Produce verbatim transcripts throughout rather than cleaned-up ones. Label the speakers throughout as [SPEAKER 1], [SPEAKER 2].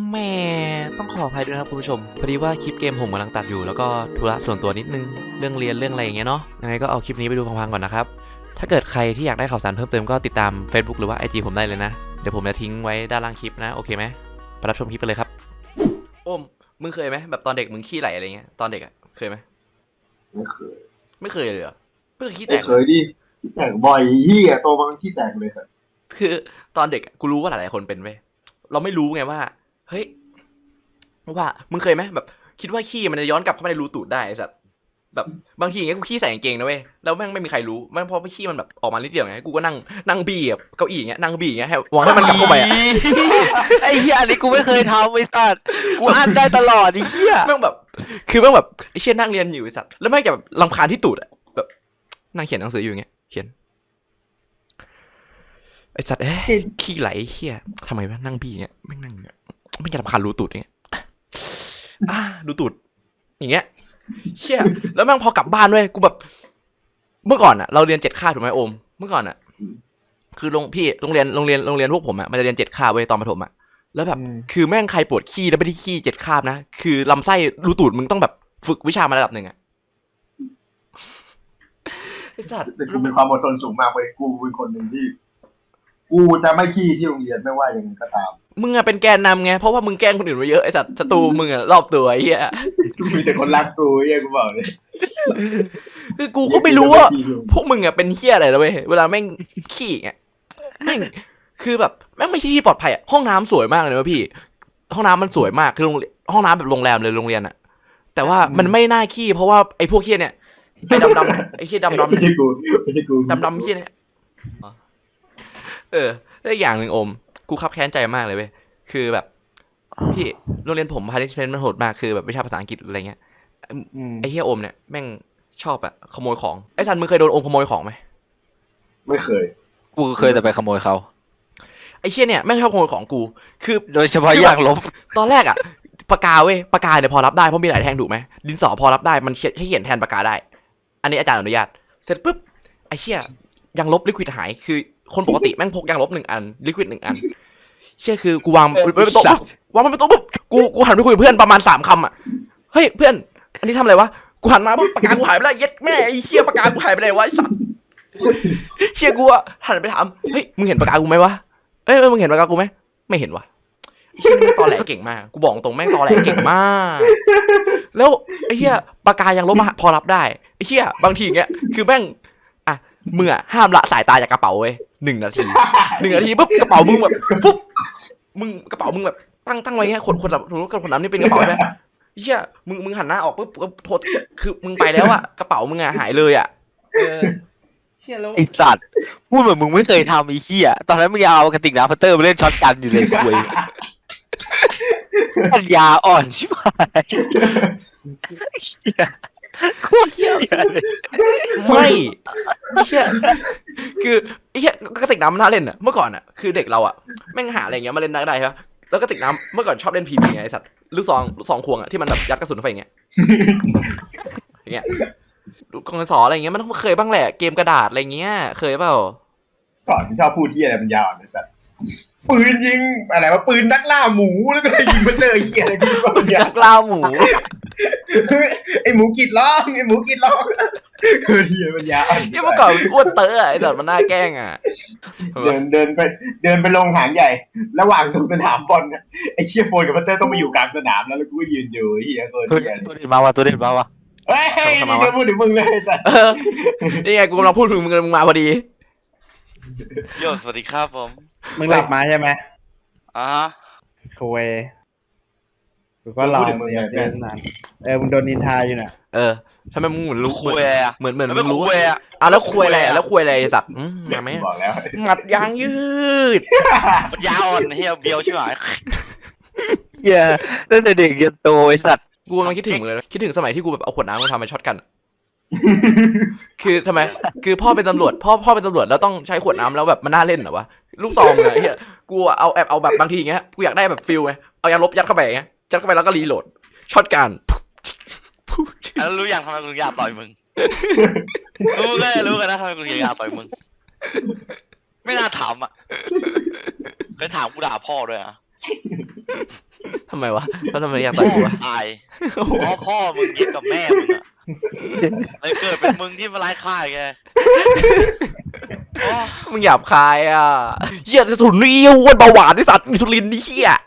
[SPEAKER 1] แม่ต้องขออภัยด้วยนะครับคุณผู้ชมพอดีว่าคลิปเกมผมกำลังตัดอยู่แล้วก็ธุระส่วนตัวนิดนึงเรื่องเรียนเรื่องอะไรอย่างเงี้ยเนาะยังไงก็เอาคลิปนี้ไปดูพังๆก่อนนะครับถ้าเกิดใครที่อยากได้ข่าวสารเพิ่มเติมก็ติดตาม Facebook หรือว่า ไอ จี ผมได้เลยนะเดี๋ยวผมจะทิ้งไว้ด้านล่างคลิปนะโอเคไหมไปรับชมคลิปไปเลยครับโอ้มมึงเคยไหมแบบตอนเด็กมึงขี้ไหลอะไรเงี้ยตอนเด็กอะเคยไหม
[SPEAKER 2] ไม่เคย
[SPEAKER 1] ไม่เคยเลยเหรอเพิ่งขี้แต
[SPEAKER 2] ไม่
[SPEAKER 1] ก
[SPEAKER 2] เคยดิขี้แตกบ่อยเฮียโตมาขี้แตกเลยสัส
[SPEAKER 1] คือตอนเด็กกูรู้ว่าหลายๆคนเป็นเว้ยเราไม่รู้ไงว่าเฮ้ยว่ามึงเคยไหมแบบคิดว่าขี้มันจะย้อนกลับเข้ามาในรูตูดได้สัตว์แบบบางทีอย่างเงี้ยกูขี้ใส่กางเกงนะเว้ยแล้วแม่งไม่มีใครรู้แม่งพอขี้มันแบบออกมานิดเดียวไงกูก็นั่งนั่งบี้แบบเก้าอี้อย่างเงี้ยนั่งบี้อย่างเงี้ยให้หวังให้มันกลับเข้าไปอ่ะ
[SPEAKER 3] ไอ้เหี้ยอันนี้กูไม่เคยทำไอ้สัตว์กูอ่านได้ตลอดไอ้เหี้ย
[SPEAKER 1] แม่งแบบคือแม่งแบบไอ้เชี่ยนั่งเรียนอยู่ไอ้สัตว์แล้วแม่งจะแบบรำคาญที่ตูดอ่ะแบบนั่งเขียนหนังสืออยู่อย่างเงี้ยเขียนไอ้สัตว์เอ๊ะขี้ไหลเหี้ยทำไมวะนั่งบี้อย่างเงี้ยแม่งนั่งอย่างเงี้ยไม่จะรำคาญรูตูดอย่างเงี้ยอ่าดูตูดอย่างเงี้ยเชี่ยแล้วแม่งพอกลับบ้านด้วยกูแบบเมื่อก่อนอ่ะเราเรียนเจ็ดคาบถูกไหมโอมเมื่อก่อนอ่ะคือโรงพี่โรงเรียนโรงเรียนโรงเรียนพวกผมอ่ะมันจะเรียนเจ็ดคาบเว้ยตอนประถมอ่ะแล้วแบบคือแม่งใครปวดขี้แล้วไม่ได้ขี้เจ็ดคาบนะคือลำไส้รูตูดมึงต้องแบบฝึกวิชามาระดับหนึ่งอ่ะไอ้สัตว์
[SPEAKER 2] แต่กูมีความอดทนสูงมากเลยกูเป็นคนหนึ่งที่กูจะไม่ขี้ที่โรงเรียนไม่ว่าอย่างไรก็ตาม
[SPEAKER 1] มึงอะเป็นแกนนำไงเพราะว่ามึงแกล้งคนอื่นมาเยอะไอ้สัตว์ศัตรูมึงอะรอบตัวไอ้เหี้ย
[SPEAKER 2] มีแต่คนรักกูเฮียกูบอกเลย
[SPEAKER 1] คือกูก็ไม่รู้ว่าพวกมึงอะเป็นเหี้ยอะไรนะเว้ยเวลาแม่งขี้อ่ะแม่งคือแบบแม่งไม่ใช่ที่ปลอดภัยอะห้องน้ำสวยมากเลยนะพี่ห้องน้ำมันสวยมากคือโรงห้องน้ำแบบโรงแรมเลยโรงเรียนอะแต่ว่ามันไม่น่าขี้เพราะว่าไอ้พวกเหี้ยเนี่ยไอ้ดำดำไอ้เหี้ยดำดำ
[SPEAKER 2] ไม่ใช่กูไม่ใช่กู
[SPEAKER 1] ดำดำเหี้ยเนี่ยเออแล้วอย่างหนึ่งอมกูคับแค้นใจมากเลยเว้ยคือแบบพี่โรงเรียนผมพาณิชย์มันโหดมากคือแบบวิชาภาษาอังกฤษอะไรเงี้ยไอ้เหี้ยอมเนี่ยแม่งชอบอะขโมยของไอ้ทันมึงเคยโดนอมขโมยของไหม
[SPEAKER 2] ไม่เคย
[SPEAKER 3] กูเคยแต่ไปขโมยเขา
[SPEAKER 1] ไอ้เชี่ยเนี่ยแม่งชอบขโมยของกูคือ
[SPEAKER 3] โดยเฉพาะยางลบ
[SPEAKER 1] ตอนแรกอะปากกาเว้ยปากกาเนี่ยพอรับได้เพราะมีหลายแท่งถูกไหมดินสอพอรับได้มันเขียนให้เขียนแทนปากกาได้อันนี้อาจารย์อนุญาตเสร็จปุ๊บไอ้เชี่ยยางลบลิควิดหายคือคนปกติแม่งพกยางลบหนึ่งอันลิควิดหนึ่งอันเชี่ยคือกูวางไว้บนโต๊ะวางไว้บนโต๊ะปุ๊บกูกูหันไปคุยกับเพื่อนประมาณสามคำอะเฮ้ยเพื่อนอันนี้ทำอะไรวะกูหันมาปุ๊บปากกากูหายไปแล้วเย็ดแม่ไอ้เชี่ยปากกากูหายไปไหนวะไอ้สัตว์เชี่ยกูอะหันไปถามเฮ้ยมึงเห็นปากกากูไหมวะเอ้ยมึงเห็นปากกากูไหมไม่เห็นวะเชี่ยแม่งตอแหลเก่งมากกูบอกตรงแม่งตอแหลเก่งมากแล้วไอ้เชี่ยปากกายังลบมาพอรับได้ไอ้เชี่ยบางทีเงี้ยคือแม่งอ่ะมึงอะห้ามละสายตาจากกระเป๋าเว้ยหนึ่งนาทีหนึ่งนาทีปุ๊บกระเป๋ามึงแบบฟุ๊บมึงกระเป๋ามึงแบบตั้งตั้งไว้เงี้ยคนคนแบบรู้กันคนนั้นนี่เป็นกระเป๋าใช่ไหมเชี่ยมึงมึงหันหน้าออกปุ๊บก็โทษคือมึงไปแล้วอะกระเป๋ามึงอะหายเลยอะ
[SPEAKER 3] ไอ้สัตว์พูดเหมือนมึงไม่เคยทำไอ้เหี้ยตอนนั้นมึงเอากระติกน้ำพัตเตอร์มาเล่นช็อตกันอยู่เลยคุยปัญญาอ่อนชิบหายเหี้ยโคตรเหี้ยเลย
[SPEAKER 1] ไม่เชี่ยคือไอ้เหี้ยกระติกน้ำมันน่าเล่นอะเมื่อก่อนอะคือเด็กเราอะแม่งหาอะไรอย่างเงี้ยมาเล่นได้ใช่ปะแล้วกระติกน้ำเมื่อก่อนชอบเล่นพีบีไงไอ้สัตว์ลูกซองลูกซองควงอะที่มันแบบยัดกระสุนเข้าไปอย่างเงี้ยอย่างเงี้ยกองสออะไรอย่างเงี้ยมันต้องเคยบ้างแหละเกมกระดาษอะไรเงี้ยเคยเปล่า
[SPEAKER 2] ก่อนชอบพูดที่อะไรมันยาวนะสัสปืนยิงอะไรวะปืนนักล่าหมูแล้วก็ยิงมันเลยเหี้ยอะไรพี่บ้าง
[SPEAKER 1] นักล่าหมู
[SPEAKER 2] ไอหมูกีดร้องไอหมูกีดร้องคือเหี้ยมันยาว
[SPEAKER 1] เนี่ยเมื่อก่อนอ้วนเต๋อไอ้สัตว์มันน่าแกล้งอะ
[SPEAKER 2] เดินเดินไปเดินไปลงหางใหญ่ ระหว่างตรงสนามบอลไอเชี่ยโฟนกับพัตเตอร์ต้องมาอยู่กลางสนามแล้วแล้วกูก็ยืนอยู่เหี้ยตัวเหี้ย
[SPEAKER 3] ตัวเด่นมาวะตัวเด่นมาวะ
[SPEAKER 2] เฮ้ยนี่ก็พูดถึงมึงเลยสัส
[SPEAKER 1] นี่ไงกูกำลังพูดถึงมึงมึงมาพอดี
[SPEAKER 4] โยสวัสดีครับผม
[SPEAKER 5] มึงหลับมาใช่ไหม
[SPEAKER 4] อ่า
[SPEAKER 5] โวยกูก็รอเสียเดินนานเออมึงโดนนินทาอยู่น่ะ
[SPEAKER 1] เออทำไมมึงเหมือนรู้เหมือนเหมือนเหมือนมึงรู้
[SPEAKER 4] อ่ะ
[SPEAKER 1] อ่ะแล้วคุยอะไรแล้วคุยอะไรสัตว์มาไหมหมัดยางยืด
[SPEAKER 4] มันยาวอ่อนเฮียเบียวใช่ไหม
[SPEAKER 3] เหี้ยตั้งแต่เด็กยันโตไอ้สัตว์
[SPEAKER 1] กูกำลังคิดถึงเลยคิดถึงสมัยที่กูแบบเอาขวดน้ำมาทำเป็นช็อตกันคือทำไมคือพ่อเป็นตำรวจพ่อพ่อเป็นตำรวจแล้วต้องใช้ขวดน้ำแล้วแบบมันน่าเล่นเหรอวะลูกซองอะเฮียกูเอาแอบเอาแบบบางทีเงี้ยกูอยากได้แบบฟิลไงเอายาลบยัดเข้าไปเงี้ยยัดเข้าไปแล้วก็รีโหลดช็อตกัน
[SPEAKER 4] แล้วรู้อย่างทำไมกูอยากต่อยมึงรู้เลยรู้กันนะทำไมกูอยากต่อยมึงไม่น่าถามอ่ะเคยถามกูด่าพ่อด้วยอ่ะ
[SPEAKER 1] ทำไมวะแล้วทำไมอยากต่อยกูวะ
[SPEAKER 4] ตายพ่อพ่อมึงเย็ดกับแม่มึงอะเลยเกิดเป็นมึงที่มาไล่ฆ่าแกโอ้
[SPEAKER 1] มึงหยาบคายอ่ะเหี้ยสุนนี่อ้วนเบาหวานไอ้สัตว์มีสุรินทร์นี่เหี้ย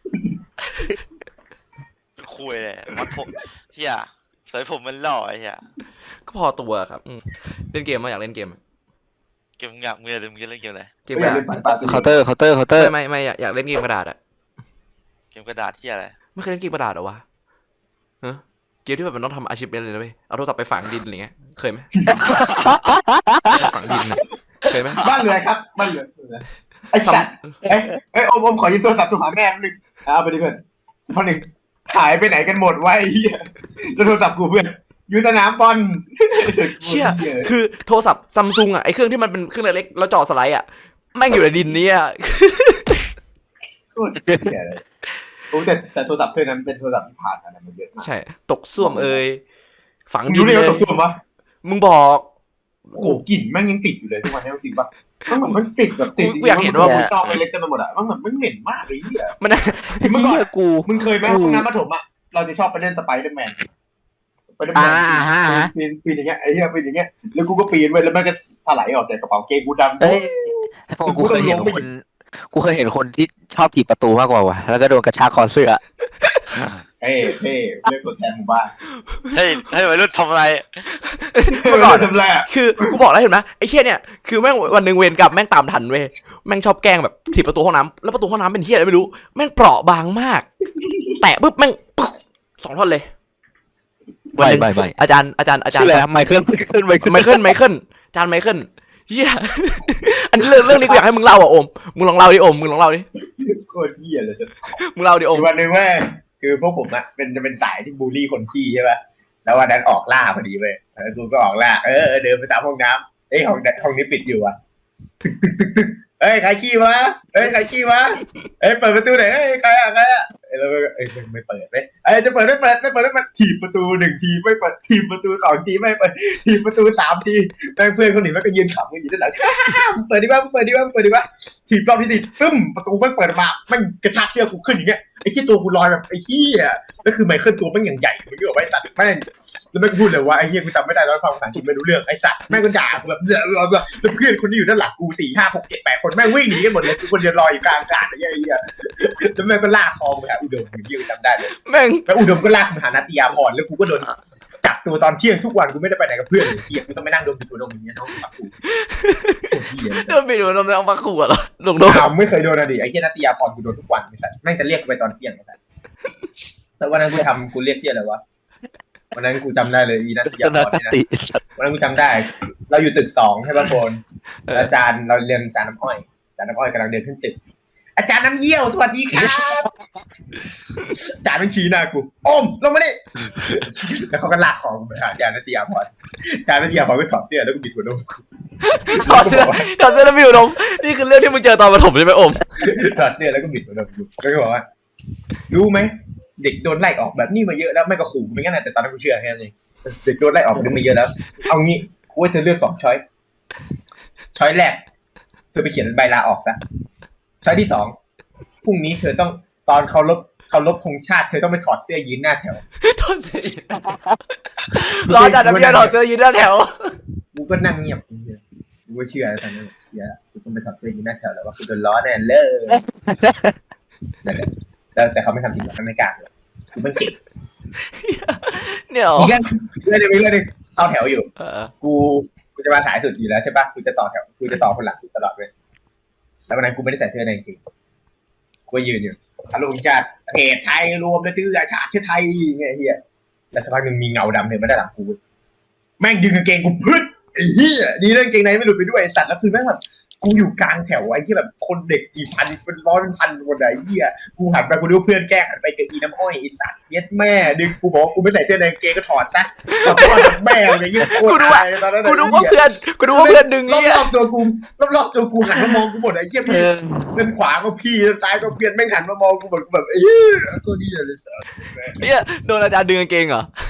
[SPEAKER 4] เป็นคุยเลยมัดผมเฮียใส่ผมมันหล่อไอ้เฮีย
[SPEAKER 1] ก็พอตัวครับอืมเล่นเกมมาอยากเล่นเกมอะ
[SPEAKER 4] เกมอยากมึงอย่าลืมเล่นเกมอะไร
[SPEAKER 1] เกม
[SPEAKER 2] ไม่
[SPEAKER 1] ก
[SPEAKER 2] อยา
[SPEAKER 1] ระ
[SPEAKER 2] ก
[SPEAKER 1] ดาษ
[SPEAKER 2] เล่นฝันปลา
[SPEAKER 3] เคาน์เตอร์เคาน์เตอร์เคาน์เตอร์
[SPEAKER 1] ไม่ไม่ไม่อยากอยากเล่นเกมกระดาษอะ
[SPEAKER 4] เกมกระดาษที่อะไร
[SPEAKER 1] ไม่เคยเล่นเกมกระดาษเหรอวะฮะเกมที่แบบมันต้องทำอาชีพเป็นเลยนะเว้ยเอาโทรศัพท์ไปฝังดินอะไรเงี้ยเคยไหมฝังดินอะเคยไหม
[SPEAKER 2] บ้านเรือครับบ้านเรือไอ้สัตว์เอ้ยเอ้ยโอมโอมขอยืมโทรศัพท์โทรหาแม่นึงเอาไปดิเพื่อนพอหนึ่งขายไปไหนกันหมดวะไอ้เหี้ยแล้วโทรศัพท์กูเพื่อนอยู่สนามบอล
[SPEAKER 1] เชี่ยคือโทรศัพท์ซัมซุงอะไอเครื่องที่มันเป็นเครื่องเล็กๆแล้วจอสไลด์อะแม่งอยู่ในดินเนี่ย
[SPEAKER 2] โคตรเหี้ยเลยโอ้แต่แต่โทรศัพท์เครื่องนั้นเป็นโทรศัพท์ที่ผ่านอะไรมาเยอะมาก
[SPEAKER 1] ใช่ตกส้วมเอ่ยฝัง
[SPEAKER 2] มึง
[SPEAKER 1] ดิ
[SPEAKER 2] รู้
[SPEAKER 1] น
[SPEAKER 2] ได้
[SPEAKER 1] เล
[SPEAKER 2] ไงว่าย ตกส่วนปะ
[SPEAKER 1] มึงบอก
[SPEAKER 2] โอ้โหกลิ่นแม่งยังติดอยู่เลยทุกวันนี้จริงปะมันเหมือนมันติดแบบติด
[SPEAKER 1] กูอยากเห็นว่า
[SPEAKER 2] มึงซอกเล็กๆกันไปหมดอะมันเหมือนมันเหม็นมากเลยเหี้ย
[SPEAKER 1] มัน
[SPEAKER 2] เมื่อก่อน
[SPEAKER 3] เหี้ยกู
[SPEAKER 2] มึงเคยไหมห้องน้ำปฐมอะเราจะชอบไปเล่นสไปเดอร์แมนสไปเดอร์แมน
[SPEAKER 3] อ่าฮะฮะ
[SPEAKER 2] ปีนปีนอย่างเงี้ยไอ้เหี้ยปีนอย่างเงี้ยแล้วกูก็ปีนไปแล้วมันก็ถลายออกจากกระเป๋าเกงกูดำ
[SPEAKER 3] เอ้ยพวกกูเคยเห็นคน กูเคยเห็นคนที่ชอบถีบประตูมากกว่าว่ะแล้วก็โดนกระชากคอเสื้อ
[SPEAKER 2] เท่เท่เรียกตัวแทนหมู่บ้าน
[SPEAKER 4] เฮ้ยให้วัยรุ่นทำอะไร
[SPEAKER 1] เมื่อก่อน
[SPEAKER 2] ทำไรอะ
[SPEAKER 1] คือกูบอกแล้วเห็นไหมไอ้เฮียเนี่ยคือแม่งวันหนึ่งเวรกลับแม่งตามทันเว้ยแม่งชอบแกล้งแบบถีบประตูห้องน้ำแล้วประตูห้องน้ำเป็นเฮียอะไรไม่รู้แม่งเปราะบางมาก แตะปุ๊บแม่งปึ๊กสองท่อนเลย
[SPEAKER 3] ไม่ไม่ไม่
[SPEAKER 1] อาจารย์อาจารย์อาจาร
[SPEAKER 3] ชื่อ
[SPEAKER 1] ย์
[SPEAKER 3] อะไรนะไมเคิลไมเคิลไมเคิล
[SPEAKER 1] ไมเคิลไมเคิลอาจารย์ไมเคิลเฮีย อันนี้เรื่องเรื่องนี้กูอยากให้มึงเล่าอ่ะโอมมึงลองเล่าดิโอมมึงลองเล่าดิ
[SPEAKER 2] โคตรเหี้ยเลยจะ
[SPEAKER 1] มึงเล่าดิโอม
[SPEAKER 2] วันหนึ่งเว้ยคือพวกผมอะเป็นจะเป็นสายที่บูลลี่คนขี้ใช่ป่ะแล้ววันนั้นออกล่าพอดีเว้ยแล้วกูก็ออกล่าเออเออเดินไปตามห้องน้ำเอ้ยห้องห้องนี้ปิดอยู่อะตึกตึกตึกตึกเอ้ยใครขี้วะเอ้ยใครขี้วะเอ้ยเปิดประตูหน่อยเอ้ยใครอะใครอะเอ้ยแล้วก็เอ้ยไม่เปิดเว้ยเอ้ยจะเปิดไม่เปิดไม่เปิดไม่เปิดถีบประตูหนึ่งทีไม่เปิดถีบประตูสองทีไม่เปิดถีบประตูสามทีแม่งเพื่อนคนอื่นแม่งก็ยืนขำกันอยู่ด้านหลัง มึงเปิดดีกว่ามึงเปิดดีกว่ามึงเปิดดีกว่าถีบรอบที่สี่ตึ้มประตูแม่งเปิดมาแม่งกระชากเชือกกูขึ้นอย่างเงี้ยไอ้ที่ตัวกูลอยแบบไอ้เหี้ยแล้วคือไมเคิลตัวแม่งอย่างใหญ่มึงก็บอกว่าไอ้สัตว์แม่งแล้วแม่งพูดเลยว่าไอ้เหี้ยกูจำไม่ได้แล้วฟังภาษาอังกฤษไม่รู้เรื่องไอ้สัตว์แม่งก็ด่ากูแบบเแล้วเพื่อนคนที่อยู่ด้านหลังกูสี่ห้าหกเจ็ดแปดคนแม่งวิ่งหนีกันหมดเลยกูคนเดียวลอยอยู่กลางอากาศไอ้เหี้ยไอ้เหี้ยแล้วแม่งก็ลากคอกูไปหาอุดมไอ้เหี้ยกูจำได้เลย
[SPEAKER 1] แม่ง
[SPEAKER 2] แล้วอุดมก็ลากมาหานาตยาพรแล้วกูก็โดนจับตัวตอนเที่ยงทุกวันกูไม่ได้ไปไหนกับเพื่อนเลยเหี้ยกูต้องไปนั่งดมตัวดมอย่างเงี้ยน้องปักกูเหี้ย
[SPEAKER 1] เดินไปดูน้องน้องมาขู่เหรอลงโดน
[SPEAKER 2] อ้าวไม่เคยโดนอะดิไอ้เหี้ยนัตยาพรกูโดนทุกวันไอ้สัสแม่งจะเรียกกูไปตอนเที่ยงไอ้สัสแต่วันนั้นกูทำกูเรียกเที่ยอะไรวะวันนั้นกูจำได้เลยอีนัตยาพรนี่นะ
[SPEAKER 3] ติ
[SPEAKER 2] วันนั้นกูจำได้ เราอยู่ตึกสองใช่ป่ะโฟนอาจารย์เราเรียนอาจารย์น้ำอ้อยอาจารย์น้ำอ้อยกำลังเดินขึ้นตึก อาจารย์น้ำเยี่ยวสวัสดีครับอาจารย์มันชี้หน้ากูโอมลงมาดิแล้วเขาก็ลากคอกูไปหาอาจารย์นัตยาพรอาจารย์นัตยาพรก็ถอดเสื้อแล้วก็บิดหัวนมกู
[SPEAKER 1] ถอดเสื้อถอดเสื้อแล้ววิวลงนี่คือเรื่องที่มึงเจอตอนประถมใช่ไหมโอม
[SPEAKER 2] ถอดเสื้อแล้วก็บิดหัวนมกูแล้วก็บอกว่ารู้ไหมเด็กโดนไล่ออกแบบนี้มาเยอะแล้วไม่ก็ขู่ไม่งั้นนะแต่ตอนนั้นกูเชื่อแค่นั้นเองเด็กโดนไล่ออกแบบนี้มาเยอะแล้วเอางี้กูให้เธอเลือกสองช้อยช้อยแรกเธอไปเขียนใบลาออกซะช้อยที่สองพรุ่งนี้เธอต้องตอนเคารพเคารพธงชาติเธอต้องไปถอดเสื้อยืนหน้าแถว
[SPEAKER 1] ถอดเสื้อรอจัดน้ำยาถอดเสื้อยืนหน้าแถว
[SPEAKER 2] กูก็นั่งเงียบกูก็เชื่อแล้วตอนนั้นเชื่อกูต้องไปถอดเสื้อยืนหน้าแถวแล้วว่ากูโดนล้อแน่เลยนั่นแหละแต่แต่เขาไม่ทำจริงหรอกเขาไม่กล้าเลยกูไม่เก่ง
[SPEAKER 1] เนี่ย
[SPEAKER 2] มีเรื่องเรื่องนึงมีเรื่องนึงเข้าแถวอยู่
[SPEAKER 1] เออ
[SPEAKER 2] กูกูจะมาสายสุดอยู่แล้วใช่ปะกูจะต่อแถวกูจะต่อคนหลังตลอดเลยแล้ววันนั้นกูไม่ได้ใส่เสื้อในจริงกูยืนอยู่อารมณ์จัดประเทศไทยรวมแล้วดื้อชาติไทยเงี้ยเฮียแล้วสักพักหนึ่งมีเงาดำเดินมาด้านหลังกูแม่งดึงกางเกงกูพึ่งไอ้เหี้ยดีเรื่องเกงในไม่หลุดไปด้วยไอ้สัตว์แล้วคือแม่งแบบกูอยู่กลางแถวไอ้ที่แบบคนเด็กกี่พันเป็นร้อยเป็นพันคนไอ้เหี้ยกูหันไปกูดูเพื่อนแกล้งหันไปเจออีน้ำอ้อยไอ้สัตว์เย็ดแม่ดึงกูบอกกูไม่ใส่เสื้อในกางเกงก็ถอดซะถอดตัวแม่เลยยิ่งโคตรอายตอนนั้น
[SPEAKER 1] กูดูว่าเพื่อนกูดูว่าเพื่อนดึง
[SPEAKER 2] ร
[SPEAKER 1] เงี้ย
[SPEAKER 2] อบๆตัวกูรอบๆตัวกูหันมามองกูหมดไอ้เหี้ย
[SPEAKER 3] เอ
[SPEAKER 2] พี่
[SPEAKER 3] อ
[SPEAKER 2] เดินขวาก็พี่เดินซ้ายก็เพื่อนแม่งหันมามองกูหมดกูแบบเอ้ยตัวนี้เลย
[SPEAKER 1] เนี่ยโดนอาจารย์ดึงกางเกงเหรอ
[SPEAKER 2] เ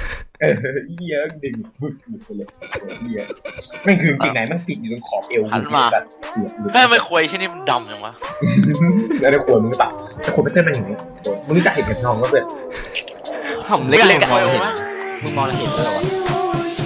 [SPEAKER 2] เออเหี้ยดึงบึกหลุดไปเลยเหี้ยแม่งคือจริงไหนมันติดอยู่ตรงขอบเอว
[SPEAKER 4] หันมา
[SPEAKER 2] แบบเหี้ยหลุด
[SPEAKER 4] แม่ไม่ควยที่นี่มันดำจังวะ
[SPEAKER 2] แล้วได้ขวดมึงหรือเปล่าแต่ขวดไม่เต้นมันอย่างนี้มึงรู้จักเห็นเห็นทองก็เพื่อน
[SPEAKER 1] ห่ำเล็กๆ
[SPEAKER 4] ค
[SPEAKER 1] อะ
[SPEAKER 4] วยโอ้ไหม
[SPEAKER 3] มึงมองเห็นเลยเหรอวะ